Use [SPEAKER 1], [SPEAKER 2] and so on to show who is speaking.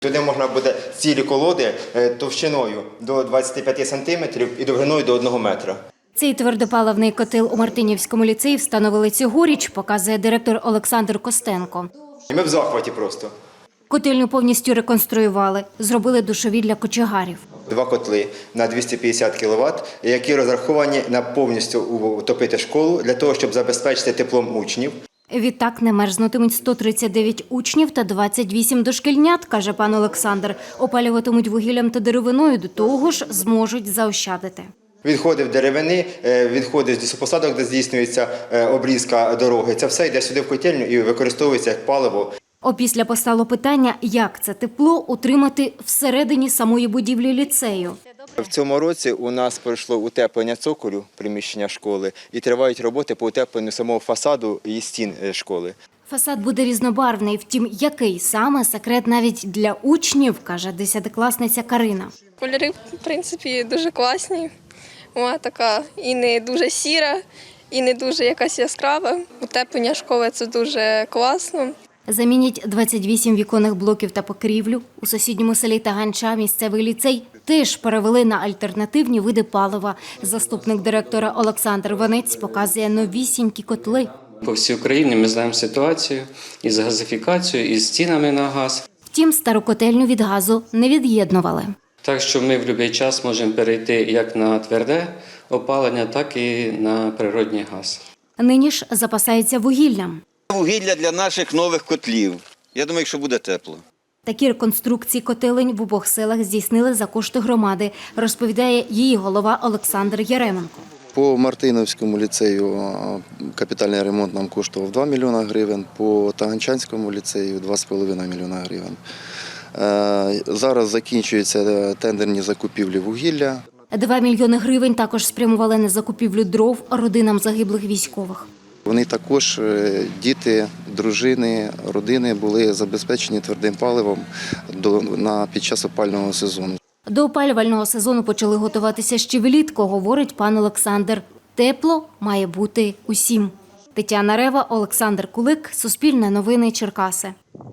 [SPEAKER 1] Туди можна буде цілі колоди товщиною до 25 см і довжиною до 1 метра.
[SPEAKER 2] Цей твердопаливний котел у Мартинівському ліцеї встановили цьогоріч, показує директор Олександр Костенко.
[SPEAKER 1] Ми в захваті просто.
[SPEAKER 2] Котельню повністю реконструювали, зробили душові для кочегарів.
[SPEAKER 1] 2 котли на 250 кВт, які розраховані на повністю утопити школу для того, щоб забезпечити теплом учнів.
[SPEAKER 2] Відтак не мерзнутимуть 139 учнів та 28 дошкільнят, каже пан Олександр. Опалюватимуть вугіллям та деревиною, до того ж зможуть заощадити.
[SPEAKER 1] Відходи деревини, відходи з лісопосадок, де здійснюється обрізка дороги. Це все йде сюди в котельню і використовується як паливо.
[SPEAKER 2] Опісля постало питання, як це тепло утримати всередині самої будівлі ліцею.
[SPEAKER 1] В цьому році у нас пройшло утеплення цоколю приміщення школи і тривають роботи по утепленню самого фасаду і стін школи.
[SPEAKER 2] Фасад буде різнобарвний, втім, який саме – секрет навіть для учнів, каже 10-класниця Карина.
[SPEAKER 3] Кольори, в принципі, дуже класні. Вона така і не дуже сіра, і не дуже якась яскрава. Утеплення школи – це дуже класно.
[SPEAKER 2] Замінять 28 віконних блоків та покрівлю. У сусідньому селі Таганча місцевий ліцей теж перевели на альтернативні види палива. Заступник директора Олександр Ванець показує новісінькі котли.
[SPEAKER 4] По всій Україні ми знаємо ситуацію із газифікацією, із цінами на газ.
[SPEAKER 2] Втім, стару котельню від газу не від'єднували.
[SPEAKER 4] Так що ми в будь-який час можемо перейти як на тверде опалення, так і на природний газ.
[SPEAKER 2] Нині ж запасаються вугіллям.
[SPEAKER 5] Вугілля для наших нових котлів. Я думаю, що буде тепло.
[SPEAKER 2] Такі реконструкції котелень в обох селах здійснили за кошти громади, розповідає її голова Олександр Яременко.
[SPEAKER 6] По Мартиновському ліцею капітальний ремонт нам коштував 2 мільйони гривень, по Таганчанському ліцею 2,5 мільйона гривень. Зараз закінчуються тендерні закупівлі вугілля.
[SPEAKER 2] 2 мільйони гривень також спрямували на закупівлю дров родинам загиблих військових.
[SPEAKER 6] Вони також, діти, дружини, родини були забезпечені твердим паливом під час опалювального сезону.
[SPEAKER 2] До опалювального сезону почали готуватися ще влітку, говорить пан Олександр. Тепло має бути усім. Тетяна Рева, Олександр Кулик, Суспільне новини, Черкаси.